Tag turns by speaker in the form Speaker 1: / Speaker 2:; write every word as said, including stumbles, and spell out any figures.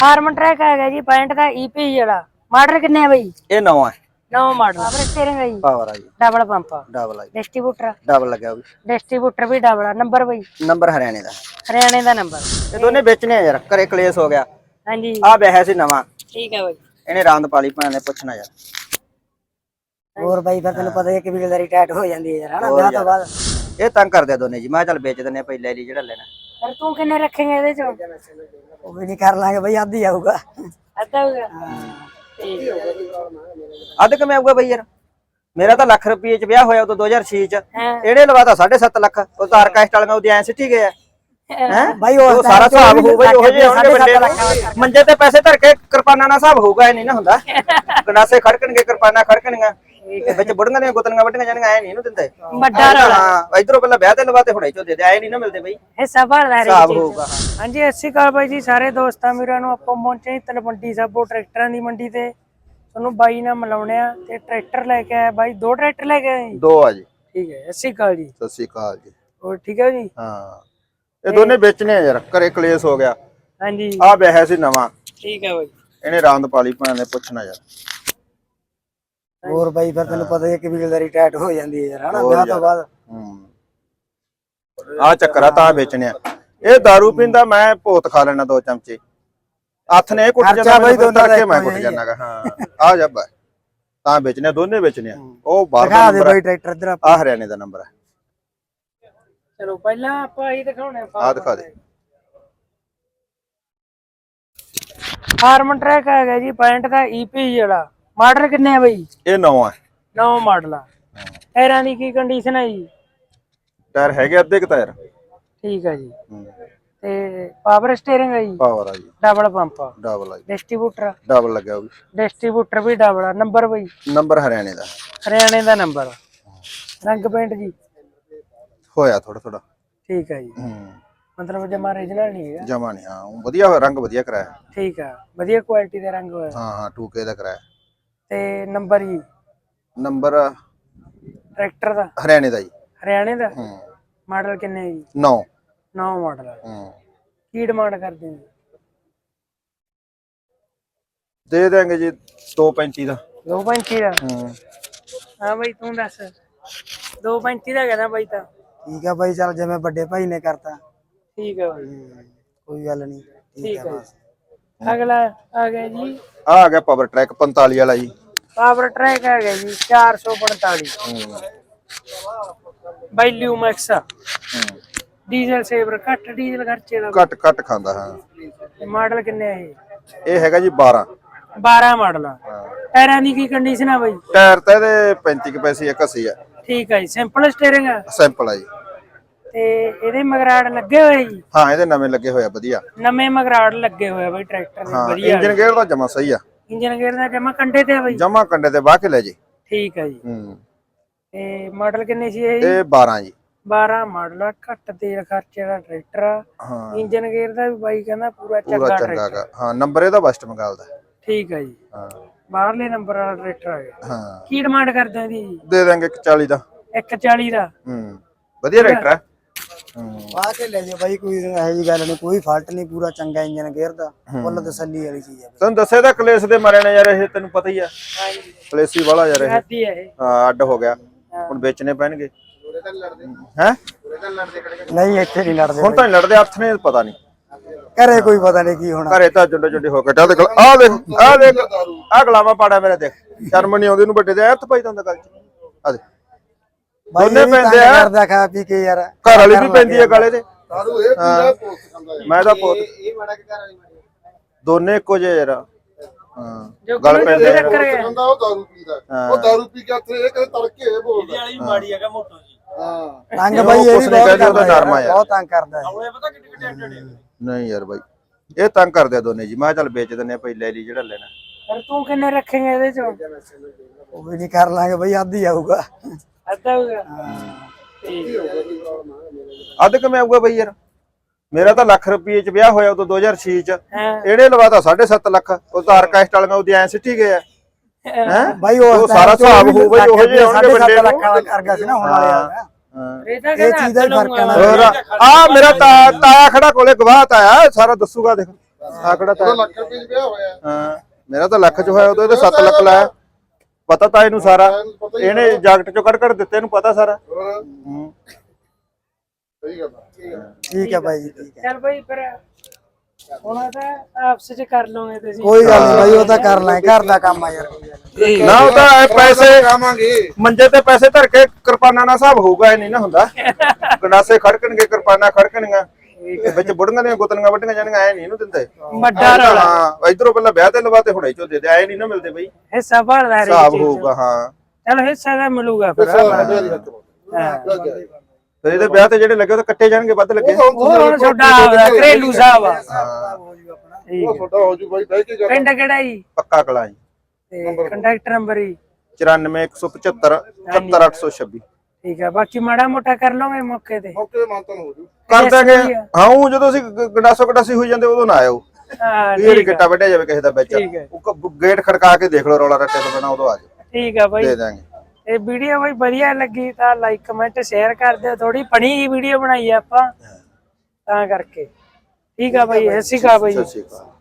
Speaker 1: Harman track ਹੈਗਾ ਜੀ ਪੈਂਹਠ ਦਾ ਈਪੀ ਜਿਹੜਾ ਮਾਡਲ ਕਿੰਨੇ ਆ ਬਈ?
Speaker 2: ਇਹ ਨਵਾਂ ਹੈ।
Speaker 1: ਨਵਾਂ ਮਾਡਲ ਪਾਵਰ ਸਟੀਅਰਿੰਗ ਹੈ ਜੀ,
Speaker 2: ਪਾਵਰ ਆ ਜੀ,
Speaker 1: ਡਬਲ ਪੰਪ,
Speaker 2: ਡਬਲ ਆ ਜੀ,
Speaker 1: ਡਿਸਟ੍ਰੀਬਿਊਟਰ
Speaker 2: ਡਬਲ ਲੱਗਿਆ ਵੀ,
Speaker 1: ਡਿਸਟ੍ਰੀਬਿਊਟਰ ਵੀ ਡਬਲ ਆ। ਨੰਬਰ ਬਈ?
Speaker 2: ਨੰਬਰ ਹਰਿਆਣੇ ਦਾ,
Speaker 1: ਹਰਿਆਣੇ ਦਾ ਨੰਬਰ।
Speaker 2: ਇਹ ਦੋਨੇ ਵੇਚਣੇ ਆ ਯਾਰ, ਘਰੇ ਕਲੇਸ਼ ਹੋ ਗਿਆ।
Speaker 1: ਹਾਂਜੀ
Speaker 2: ਆ ਵਿਆਹ ਸੀ ਨਵਾਂ,
Speaker 1: ਠੀਕ ਹੈ ਬਈ।
Speaker 2: ਇਹਨੇ ਰਾਂਦ ਪਾਲੀ ਭੈਣ ਨੇ ਪੁੱਛਣਾ ਯਾਰ।
Speaker 1: ਹੋਰ ਬਾਈ ਫਿਰ ਤੈਨੂੰ ਪਤਾ ਹੈ ਕਿ ਬਿਲਦਾਰੀ ਟਾਈਟ ਹੋ ਜਾਂਦੀ ਹੈ ਯਾਰ ਹਨਾ ਵਿਆਹ ਤੋਂ ਬਾਅਦ।
Speaker 2: ਇਹ ਤੰਗ ਕਰਦੇ ਦੋਨੇ ਜੀ, ਮੈਂ ਚੱਲ ਵੇਚ ਦਿੰਨੇ ਪਈ ਲੈ ਲਈ ਜਿਹੜਾ ਲੈਣਾ।
Speaker 1: ਪਰ ਤੂੰ ਕਿੰਨੇ ਰੱਖੇਂਗੇ ਇਹਦੇ ਚੋਂ?
Speaker 3: ਉਹ ਵੀ ਨਹੀਂ ਕਰ ਲਾਂਗੇ ਬਈ, ਆਧੀ ਆਊਗਾ।
Speaker 1: ਅੱਧਾ ਹੋਊਗਾ?
Speaker 2: ਅੱਧ ਕਿਵੇਂ ਆਊਗਾ ਬਈ ਯਾਰ? ਮੇਰਾ ਤਾਂ ਲੱਖ ਰੁਪਏ ਚ ਵਿਆਹ ਹੋਇਆ ਉਦੋਂ ਦੋ ਹਜ਼ਾਰ ਛੇ ਚ,
Speaker 1: ਹਾਂ
Speaker 2: ਇਹਨੇ ਲਵਾਤਾ ਸਾਢੇ ਸੱਤ ਲੱਖ। ਉਹ ਤਾਂ ਆਰਕੈਸਟ ਵਾਲੀਆਂ ਉਹਦੀ ਐਂ ਸਿੱਟੀ ਗਏ ਹੈ
Speaker 3: ਬਾਈ ਉਹ
Speaker 2: ਸਾਰਾ ਹਿਸਾਬ ਹੋਊਗਾ ਉਹ ਜਿਹੇ ਹੋਣਗੇ ਵੱਡੇ ਨੂੰ। ਮੰਜੇ ਤੇ ਪੈਸੇ ਧਰ ਕੇ ਕਿਰਪਾਨਾਂ ਨਾਲ ਹਿਸਾਬ ਹੋਊਗਾ, ਇਹ ਨਹੀਂ ਨਾ ਹੁੰਦਾ। ਗੰਡਾਸੇ ਖੜਕਣਗੇ, ਕਿਰਪਾਨਾਂ ਖੜਕਣਗੀਆਂ, ਵਿੱਚ ਬੁੜੀਆਂ ਦੀਆਂ ਗੁੱਤੀਆਂ ਵੱਢੀਆਂ ਜਾਣਗੀਆਂ, ਐ ਨਹੀਂ ਇਹਨੂੰ ਦਿੰਦੇ।
Speaker 1: ਵੱਡਾ ਰੌਲਾ।
Speaker 2: ਹਾਂ ਇਧਰੋਂ ਪਹਿਲਾਂ ਵਿਆਹ ਤੇ ਲਵਾਤੇ ਹੁਣੇ ਚੋਂ ਦੇ ਦੇ, ਐ ਨਹੀਂ ਨਾ ਮਿਲਦੇ ਬਈ,
Speaker 1: ਹਿੱਸਾ ਭਰਦਾ ਹਰੇਕ
Speaker 2: ਹਿਸਾਬ
Speaker 1: ਚੀਜ਼ ਚ।
Speaker 2: ਹੋਊਗਾ।
Speaker 1: ਹਾਂਜੀ ਸਤਿ ਸ਼੍ਰੀ ਅਕਾਲ ਬਾਈ ਜੀ ਸਾਰੇ ਦੋਸਤਾਂ ਵੀਰਾਂ ਨੂੰ। ਆਪਾਂ ਪਹੁੰਚੇ ਤਲਵੰਡੀ ਸਾਬੋ ਟਰੈਕਟਰਾਂ ਦੀ ਮੰਡੀ ਤੇ। ਤੁਹਾਨੂੰ ਬਾਈ ਨਾਲ ਮਿਲਾਉਣੇ ਆ ਤੇ ਟਰੈਕਟਰ ਲੈ ਕੇ ਆਇਆ ਬਾਈ। ਦੋ ਟਰੈਕਟਰ ਲੈ ਕੇ ਆਏ?
Speaker 2: ਦੋ ਆ ਜੀ।
Speaker 1: ਠੀਕ ਹੈ, ਸਤਿ ਸ਼੍ਰੀ ਅਕਾਲ ਜੀ।
Speaker 2: ਸਤਿ ਸ੍ਰੀ ਅਕਾਲ ਜੀ।
Speaker 1: ਹੋਰ ਠੀਕ ਹੈ ਜੀ?
Speaker 2: ਹਾਂ ਇਹ ਦੋਨੇ ਵੇਚਣੇ ਆ ਯਾਰ, ਘਰੇ ਕਲੇਸ਼ ਹੋ ਗਿਆ।
Speaker 1: ਹਾਂਜੀ
Speaker 2: ਆ ਵਿਆਹ ਸੀ ਨਵਾਂ,
Speaker 1: ਠੀਕ ਹੈ ਬਾਈ।
Speaker 2: ਇਹਨੇ ਰਾਂਦ ਪਾਲੀ ਭੈਣ ਨੇ ਪੁੱਛਣਾ ਯਾਰ।
Speaker 3: ਹੋਰ ਬਾਈ ਫਿਰ ਤੈਨੂੰ ਪਤਾ ਹੈ ਕਿ ਬਿਲਦਾਰੀ ਟਾਈਟ ਹੋ ਜਾਂਦੀ ਹੈ ਯਾਰ ਹਨਾ ਵਿਆਹ ਤੋਂ ਬਾਅਦ।
Speaker 2: ਹੂੰ ਆ ਚੱਕਰ ਆ ਤਾਂ ਵੇਚਣੇ ਆ। ਇਹ दारू ਪੀਂਦਾ, ਮੈਂ ਭੋਤ ਖਾ ਲੈਣਾ ਦੋ ਚਮਚੇ। ਹੱਥ ਨੇ ਕੁੱਟ ਜਾਂਦਾ ਬਾਈ, ਦੋਨਾਂ ਦਾ ਮੈਂ ਕੁੱਟ ਜਾਣਾਗਾ। ਹਾਂ ਆ ਜਾ ਬਾ ਤਾਂ ਵੇਚਣੇ, ਦੋਨੇ ਵੇਚਣੇ ਆ। ਉਹ ਬਾਹਰ ਦਾ
Speaker 3: ਦਿਖਾ ਦੇ
Speaker 2: ਨੰਬਰ
Speaker 3: ਬਾਈ ਟਰੈਕਟਰ ਇਧਰ।
Speaker 2: ਆ ਹਰਿਆਣੇ ਦਾ ਨੰਬਰ ਹੈ।
Speaker 1: ਚਲੋ ਪਹਿਲਾਂ ਆਪਾਂ ਇਹ ਦਿਖਾਉਣੇ
Speaker 2: ਆ ਦਿਖਾ ਦੇ।
Speaker 1: ਹਾਰਮਨ ਟਰੈਕ ਹੈਗਾ ਜੀ ਪੈਂਹਠ ਦਾ ਈਪੀ ਜਿਹੜਾ ਮਾਡਲ ਕਿੰਨੇ ਆ ਬਈ?
Speaker 2: ਇਹ ਨਵਾਂ ਹੈ,
Speaker 1: ਨਵਾਂ ਮਾਡਲ ਆ। ਟਾਇਰਾਂ ਦੀ ਕੀ ਕੰਡੀਸ਼ਨ ਹੈ ਜੀ?
Speaker 2: ਟਾਇਰ ਹੈਗੇ ਅੱਧੇ ਕੁ ਟਾਇਰ।
Speaker 1: ਠੀਕ ਹੈ ਜੀ। ਤੇ ਪਾਵਰ ਸਟੀਅਰਿੰਗ ਹੈ ਜੀ,
Speaker 2: ਪਾਵਰ ਆ ਜੀ,
Speaker 1: ਡਬਲ ਪੰਪ,
Speaker 2: ਡਬਲ ਆ ਜੀ,
Speaker 1: ਡਿਸਟ੍ਰੀਬਿਊਟਰ
Speaker 2: ਡਬਲ ਲੱਗਿਆ ਉਹ ਵੀ।
Speaker 1: ਡਿਸਟ੍ਰੀਬਿਊਟਰ ਵੀ ਡਬਲ ਆ। ਨੰਬਰ ਬਈ?
Speaker 2: ਨੰਬਰ ਹਰਿਆਣੇ ਦਾ,
Speaker 1: ਹਰਿਆਣੇ ਦਾ ਨੰਬਰ। ਰੰਗ ਪੇਂਟ ਜੀ
Speaker 2: ਹੋਇਆ ਥੋੜਾ ਥੋੜਾ।
Speaker 1: ਠੀਕ ਹੈ ਜੀ,
Speaker 2: ਹੂੰ
Speaker 1: ਮਤਲਬ ਜਮਾ ਰੀਜਨਲ ਨਹੀਂ ਹੈਗਾ?
Speaker 2: ਜਮਾ ਨਹੀਂ। ਹਾਂ ਵਧੀਆ ਹੋਇਆ, ਰੰਗ ਵਧੀਆ ਕਰਾਇਆ।
Speaker 1: ਠੀਕ ਆ, ਵਧੀਆ ਕੁਆਲਿਟੀ ਦਾ ਰੰਗ ਹੋਇਆ।
Speaker 2: ਹਾਂ ਹਾਂ ਟੂ ਕੇ ਦਾ ਕਰਾਇਆ।
Speaker 1: ਤੇ ਨੰਬਰ ਜੀ?
Speaker 2: ਨੰਬਰ
Speaker 1: ਟਰੈਕਟਰ ਦਾ
Speaker 2: ਹਰਿਆਣੇ ਦਾ ਜੀ।
Speaker 1: ਹਰਿਆਣੇ ਦਾ।
Speaker 2: ਹੂੰ
Speaker 1: ਮਾਡਲ ਕਿੰਨੇ ਜੀ?
Speaker 2: ਨੌ।
Speaker 1: ਨੌ ਮਾਡਲ ਆ।
Speaker 2: ਹੂੰ
Speaker 1: ਕੀ ਡਿਮਾਂਡ ਕਰਦੇ ਹੋ?
Speaker 2: ਦੇ ਦੇਂਗੇ ਜੀ ਦੋ ਪੈਂਤੀ ਦਾ।
Speaker 1: ਦੋ ਪੈਂਤੀ ਦਾ?
Speaker 2: ਹੂੰ
Speaker 1: ਹਾਂ ਬਾਈ ਤੂੰ ਦੱਸ। ਦੋ ਪੈਂਤੀ ਦਾ ਕਹਿੰਦਾ ਬਾਈ ਤਾਂ।
Speaker 3: ਠੀਕ ਆ ਬਾਈ, ਚੱਲ ਜਿਵੇਂ ਵੱਡੇ ਭਾਈ ਨੇ ਕਰਤਾ।
Speaker 1: ਠੀਕ ਆ ਬਾਈ,
Speaker 3: ਕੋਈ ਗੱਲ ਨਹੀਂ।
Speaker 1: ਠੀਕ ਹੈ। ਅਗਲਾ ਆ ਗਿਆ ਜੀ,
Speaker 2: ਆ ਆ ਗਿਆ ਪਾਵਰ ਟਰੈਕ ਪੰਤਾਲੀ ਵਾਲਾ ਜੀ।
Speaker 1: ਪਾਵਰ ਟਰੈਕ ਆ ਗਿਆ ਜੀ ਚਾਰ ਸੌ ਪੰਤਾਲੀ ਬਾਈ ਲਿਊਮੈਕਸ। ਡੀਜ਼ਲ ਸੇਵਰ ਘੱਟ ਡੀਜ਼ਲ ਖਰਚੇ ਦਾ।
Speaker 2: ਘੱਟ ਘੱਟ ਖਾਂਦਾ। ਹਾਂ
Speaker 1: ਮਾਡਲ ਕਿੰਨੇ ਆ ਇਹ?
Speaker 2: ਇਹ ਹੈਗਾ ਜੀ ਬਾਰਾਂ।
Speaker 1: ਬਾਰਾਂ ਮਾਡਲ ਆ। ਟਾਇਰਾਂ ਦੀ ਕੀ ਕੰਡੀਸ਼ਨ ਆ ਬਾਈ?
Speaker 2: ਟਾਇਰ ਤਾਂ ਇਹਦੇ ਪੈਂਤੀ ਕੁ ਪੈਸੇ ਇੱਕ ਅੱਸੀ ਆ।
Speaker 1: ਠੀਕ ਆ ਜੀ, ਸਿੰਪਲ ਸਟੀਅਰਿੰਗ ਆ?
Speaker 2: ਸਿੰਪਲ ਆ ਜੀ।
Speaker 1: ਤੇ ਇਹਦੇ ਮਗਰਾੜ ਲੱਗੇ ਹੋਏ ਜੀ?
Speaker 2: ਹਾਂ ਇਹਦੇ ਨਵੇਂ ਲੱਗੇ ਹੋਇਆ ਵਧੀਆ।
Speaker 1: ਨਵੇਂ ਮਗਰਾੜ ਲੱਗੇ ਹੋਏ ਆ ਬਾਈ ਟਰੈਕਟਰ ਦੇ,
Speaker 2: ਹਾਂ
Speaker 1: ਵਧੀਆ।
Speaker 2: ਇੰਜਨ ਗੇਅਰ ਦਾ ਜਮਾ ਸਹੀ ਆ।
Speaker 1: ਇੰਜਨ ਗੇਅਰ ਦਾ ਜਮਾ ਕੰਡੇ ਤੇ ਆ ਬਾਈ?
Speaker 2: ਜਮਾ ਕੰਡੇ ਤੇ ਵਾਹ ਕੇ ਲੈ ਜੀ।
Speaker 1: ਠੀਕ ਆ ਜੀ।
Speaker 2: ਹੂੰ
Speaker 1: ਤੇ ਮਾਡਲ ਕਿੰਨੇ ਸੀ ਇਹ?
Speaker 2: ਇਹ ਬਾਰਾਂ ਜੀ।
Speaker 1: ਬਾਰਾਂ ਮਾਡਲ ਆ, ਘੱਟ ਤੇਲ ਖਰਚੇ ਦਾ ਟਰੈਕਟਰ ਆ।
Speaker 2: ਹਾਂ
Speaker 1: ਇੰਜਨ ਗੇਅਰ ਦਾ ਵੀ ਬਾਈ ਕਹਿੰਦਾ ਪੂਰਾ
Speaker 2: ਪੂਰਾ
Speaker 1: ਚੰਗਾ
Speaker 2: ਚੰਗਾ
Speaker 1: ਟਰੈਕਟਰ।
Speaker 2: ਗਾ। ਹਾਂ ਨੰਬਰ ਇਹਦਾ ਵੈਸਟ ਬੰਗਾਲ ਦਾ।
Speaker 1: ਠੀਕ ਆ ਜੀ,
Speaker 2: ਹਾਂ
Speaker 1: ਬਾਹਰਲੇ ਨੰਬਰ ਵਾਲਾ ਟਰੈਕਟਰ ਆ ਗਿਆ।
Speaker 2: ਹਾਂ
Speaker 1: ਕੀ ਡਿਮਾਂਡ ਕਰਦੇ ਆ ਇਹਦੀ?
Speaker 2: ਦੇ ਦਾਂਗੇ ਇੱਕ ਚਾਲੀ ਦਾ।
Speaker 1: ਇੱਕ ਚਾਲੀ ਦਾ?
Speaker 2: ਹੂੰ ਵਧੀਆ ਟਰੈਕਟਰ ਹੈ। ਹੂੰ
Speaker 3: ਆ ਕੇ ਲੈ ਜਾ ਬਾਈ, ਕੋਈ ਇਹੋ ਜੀ ਗੱਲ ਨਹੀਂ, ਕੋਈ ਫਾਲਟ ਨਹੀਂ, ਪੂਰਾ ਚੰਗਾ ਇੰਜਨ ਗੇਅਰ ਦਾ, ਫੁੱਲ ਤਸੱਲੀ ਵਾਲੀ ਚੀਜ਼ ਹੈ।
Speaker 2: ਤੈਨੂੰ ਦੱਸਿਆ ਤਾਂ ਕਲੇਸ਼ ਦੇ ਮਾਰੇ ਨੇ ਯਾਰ, ਇਹ ਤੈਨੂੰ ਪਤਾ ਹੀ ਆ।
Speaker 1: ਹਾਂਜੀ
Speaker 2: ਕਲੇਸ਼ੀ ਵਾਲਾ ਯਾਰ ਇਹ।
Speaker 1: ਆਦੀ ਹੈ ਇਹ।
Speaker 2: ਹਾਂ ਅੱਡ ਹੋ ਗਿਆ, ਹੁਣ ਵੇਚਣੇ ਪੈਣਗੇ। ਹੈ
Speaker 3: ਨਹੀਂ ਇੱਥੇ ਨਹੀਂ ਲੜਦੇ
Speaker 2: ਹੁਣ ਤਾਂ ਨੀ ਲੜਦੇ, ਹੱਥ ਨੇ ਪਤਾ ਨਹੀਂ।
Speaker 3: ਘਰੇ ਕੋਈ ਪਤਾ ਨਹੀਂ ਕੀ ਹੋਣਾ।
Speaker 2: ਘਰੇ ਤਾਂ ਜੁੰਡੇ ਜੁੰਡੇ ਹੋ ਕੇ ਚੱਲ। ਆਹ ਦੇਖ ਆਹ ਦੇਖ ਆਹ ਗਲਾਵਾ ਪਾੜਾ ਮੇਰੇ ਦੇਖ, ਸ਼ਰਮ ਨਹੀਂ ਆਉਂਦੀ ਨੂੰ ਵੱਡੇ ਦੇ ਹੱਥ ਪਾਈ ਜਾਂਦਾ ਗੱਲ ਚ। ਆ ਦੇ ਦੋਨੇ ਪੈਂਦੇ ਆ,
Speaker 3: ਕਰਦਾ ਖਾ ਪੀ ਕੇ ਯਾਰ।
Speaker 2: ਘਰ ਵਾਲੀ ਵੀ ਪੈਂਦੀ ਆ ਗਾਲੇ ਦੇ। ਮੈਂ ਤਾਂ ਪੋਤ ਦੋਨੇ ਇੱਕੋ ਜਿਹੇ ਯਾਰ। ਹਾਂ ਗੱਲ ਪੈਂਦੇ ਆ।
Speaker 1: ਟੱਕਰ ਗਿਆ।
Speaker 4: ਉਹ ਦਾਰੂ ਪੀਂਦਾ, ਉਹ ਦਾਰੂ ਪੀ ਕੇ ਇੱਥੇ ਇਹ ਕਦੇ ਤੜਕੇ ਇਹ ਬੋਲਦਾ। ਇਹਦੀ ਵਾਲੀ ਮਾੜੀ ਹੈਗਾ ਮੋਟੋ ਜੀ। ਹਾਂ
Speaker 3: ਤੰਗ ਬਾਈ ਇਹ ਵੀ ਬਹੁਤ ਕਰਦਾ,
Speaker 2: ਨਰਮਾ ਯਾਰ
Speaker 3: ਬਹੁਤ ਤੰਗ ਕਰਦਾ।
Speaker 2: ਨਹੀਂ ਯਾਰ ਬਾਈ ਇਹ ਤੰਗ ਕਰਦੇ ਆ ਦੋਨੇ ਜੀ। ਮੈਂ ਚੱਲ ਵੇਚ ਦਿੰਨੇ ਪਈ ਲੈ ਲਈ ਜਿਹੜਾ ਲੈਣਾ।
Speaker 1: ਪਰ ਤੂੰ ਕਿੰਨੇ ਰੱਖੇਂਗੇ ਇਹਦੇ ਚੋਂ?
Speaker 3: ਉਹ ਵੀ ਨਹੀਂ ਕਰ ਲਾਂਗੇ ਬਾਈ, ਆਧੀ ਆਊਗਾ।
Speaker 1: ਅੱਧਾ ਹੋਊਗਾ?
Speaker 2: ਅੱਧ ਕਿਵੇਂ ਆਊਗਾ ਬਈ ਯਾਰ? ਮੇਰਾ ਤਾਂ ਲੱਖ ਰੁਪਏ ਚ ਵਿਆਹ ਹੋਇਆ ਉਦੋਂ ਦੋ ਹਜ਼ਾਰ ਛੇ ਚ,
Speaker 1: ਹਾਂ
Speaker 2: ਇਹਨੇ ਲਵਾਤਾ ਸਾਢੇ ਸੱਤ ਲੱਖ। ਉਹ ਤਾਂ ਆਰਕੈਸਟ ਵਾਲੀਆਂ ਉਹਦੀ ਐਂ ਸਿੱਟੀ ਗਏ ਆ। ਹੈ
Speaker 3: ਬਾਈ ਉਹ
Speaker 2: ਸਾਰਾ ਹਿਸਾਬ ਹੋਊ ਬਈ ਉਹ ਜਿਹੇ ਹੋਣਗੇ ਵੱਡੇ ਨੂੰ।
Speaker 3: ਲੱਖਾਂ ਦਾ ਕਰ ਗਿਆ ਸੀ ਨਾ ਹੁਣ ਵਾਲੇ ਆ।
Speaker 1: ਇਹ ਤਾਂ
Speaker 3: ਇਹ
Speaker 1: ਕਹਿੰਦਾ
Speaker 3: ਚੀਜ਼ ਦਾ ਹੀ ਫਰਕ ਹੈ ਨਾ।
Speaker 2: ਹੋਰ ਆ ਮੇਰਾ ਤਾ- ਤਾਇਆ ਖੜਾ ਕੋਲੇ ਗਵਾਹ ਤਾਇਆ ਸਾਰਾ ਦੱਸੂਗਾ। ਦੇਖ ਆਕੜਾ ਤਾਂ
Speaker 4: ਉਹਦਾ ਲੱਖ ਰੁਪਏ ਚ ਵਿਆਹ ਹੋਇਆ
Speaker 2: ਹਾਂ ਮੇਰਾ ਤਾਂ ਲੱਖ ਚ ਹੋਇਆ ਉਦੋਂ ਇਹਦੇ ਸੱਤ ਲੱਖ ਲਾਇਆ ਪਤਾ ਤਾਂ ਇਹਨੂੰ ਸਾਰਾ
Speaker 4: ਪਤਾ ਹੀ
Speaker 2: ਇਹਨੇ ਜਾਕਟ ਚੋਂ ਕੱਢ ਕੱਢ ਦਿੱਤੇ ਇਹਨੂੰ ਪਤਾ ਸਾਰਾ
Speaker 4: ਹੋਰ
Speaker 2: ਹੂੰ
Speaker 4: ਸਹੀ ਗੱਲ ਆ ਠੀਕ ਆ
Speaker 3: ਠੀਕ ਹੈ ਬਾਈ ਜੀ ਠੀਕ ਹੈ
Speaker 1: ਚੱਲ ਬਾਈ ਫਿਰ ਹੁਣ ਤਾਂ ਆਪਸ ਚ ਕਰ ਲਓਗੇ ਤੁਸੀਂ
Speaker 3: ਕੋਈ ਗੱਲ ਨਹੀਂ ਬਾਈ ਉਹ ਤਾਂ ਕਰ ਲੈ ਘਰ ਦਾ ਕੰਮ ਆ ਯਾਰ
Speaker 2: ਨਾ ਉਹ ਤਾਂ ਇਹ ਪੈਸੇ
Speaker 4: ਖਾਵਾਂਗੇ
Speaker 2: ਮੰਜੇ ਤੇ ਪੈਸੇ ਧਰ ਕੇ ਕਿਰਪਾਨਾਂ ਨਾਲ ਹਿਸਾਬ ਹੋਊਗਾ ਇਹ ਨਹੀਂ ਨਾ ਹੁੰਦਾ ਗੰਡਾਸੇ ਖੜਕਣਗੇ ਕਿਰਪਾਨਾਂ ਖੜਕਣਗੀਆਂ ਵਿੱਚ ਬੁੜੀਆਂ ਦੀਆਂ ਗੁੱਤਲੀਆਂ ਵੱਢੀਆਂ ਜਾਣਗੀਆਂ ਐ ਨਹੀਂ ਇਹਨੂੰ ਦਿੰਦੇ
Speaker 1: ਵੱਡਾ ਰੌਲਾ
Speaker 2: ਹਾਂ ਇਧਰੋਂ ਪਹਿਲਾਂ ਵਿਆਹ ਤੇ ਲਵਾ ਤੇ ਹੁਣੇ ਚੋ ਦੇ ਦੇ ਐ ਨਹੀਂ ਨਾ ਮਿਲਦੇ ਬਈ
Speaker 1: ਹਿੱਸਾ ਭਰਦਾ ਹਰੇਕ
Speaker 2: ਹਿਸਾਬ
Speaker 1: ਚੀਜ਼
Speaker 2: ਹੋਊਗਾ ਹਾਂ
Speaker 1: ਚਲ ਹਿੱਸਾ ਦਾ ਮਿਲੂਗਾ ਫਿਰ
Speaker 2: ਫਿਰ ਇਹਦੇ ਵਿਆਹ ਤੇ ਜਿਹੜੇ ਲੱਗੇ ਉਹ ਤਾਂ ਕੱਟੇ ਜਾਣਗੇ ਵੱਧ ਲੱਗੇ
Speaker 1: ਉਹ ਹੁਣ ਤੁਹਾਡਾ ਆਪਦਾ ਘਰੇਲੂ ਸਾਹਿਬ ਆ ਠੀਕ
Speaker 4: ਉਹ ਤੁਹਾਡਾ ਹੋ ਜੂ ਬਾਈ ਬਹਿ ਕੇ ਗੱਲ
Speaker 1: ਪਿੰਡ ਕਿਹੜਾ ਜੀ
Speaker 2: ਪੱਕਾ ਕਲਾ ਜੀ
Speaker 1: ਤੇ ਕੰਟੈਕਟ ਨੰਬਰ ਜੀ
Speaker 2: ਚੁਰਾਨਵੇਂ ਇੱਕ ਸੌ ਪਝੱਤਰ ਇਕਹੱਤਰ ਅੱਠ ਸੌ ਛੱਬੀ
Speaker 1: ਠੀਕ ਆ ਬਾਕੀ ਮਾੜਾ ਮੋਟਾ ਕਰ ਲਓਗੇ ਮੌਕੇ ਤੇ
Speaker 4: ਮੌਕੇ ਮਾਨਤਨ ਹੋ ਜੂ
Speaker 2: ਕਰ ਦਾਂਗੇ ਹਾਂ ਉਹ ਜਦੋਂ ਅਸੀਂ ਗ- ਗੰਡਾਸੋ ਗੰਡਾਸੀ ਹੋਈ ਜਾਂਦੇ ਉਦੋਂ ਨਾ ਆਇਓ
Speaker 1: ਹਾਂ
Speaker 2: ਇਹ
Speaker 1: ਠੀਕ ਆ
Speaker 2: ਕਿੱਟਾ ਵੱਢਿਆ ਜਾਵੇ ਕਿਸੇ ਦਾ ਵਿੱਚ
Speaker 1: ਠੀਕ ਹੈ।
Speaker 2: ਉਹ ਕ- ਗੇਟ ਖੜਕਾ ਕੇ ਦੇਖ ਲਓ ਰੌਲਾ ਰੱਟੇ ਤੋਂ ਬਿਨਾਂ ਉਦੋਂ ਆ ਜਾਓ
Speaker 1: ਠੀਕ ਆ ਬਾਈ
Speaker 2: ਦੇ ਦਾਂਗੇ
Speaker 1: ਇਹ ਵੀਡੀਓ ਬਾਈ ਵਧੀਆ ਲੱਗੀ ਤਾਂ ਲਾਈਕ ਕਮੈਂਟ ਸ਼ੇਅਰ ਕਰ ਦਿਓ ਥੋੜੀ ਫਨੀ ਜੀ ਵੀਡੀਓ ਬਣਾਈ ਆ ਆਪਾਂ ਤਾਂ ਕਰਕੇ ਠੀਕ ਆ ਬਾਈ ਸਤਿ ਸ਼੍ਰੀ ਅਕਾਲ ਬਾਈ
Speaker 2: ਸਤਿ ਸ਼੍ਰੀ ਅਕਾਲ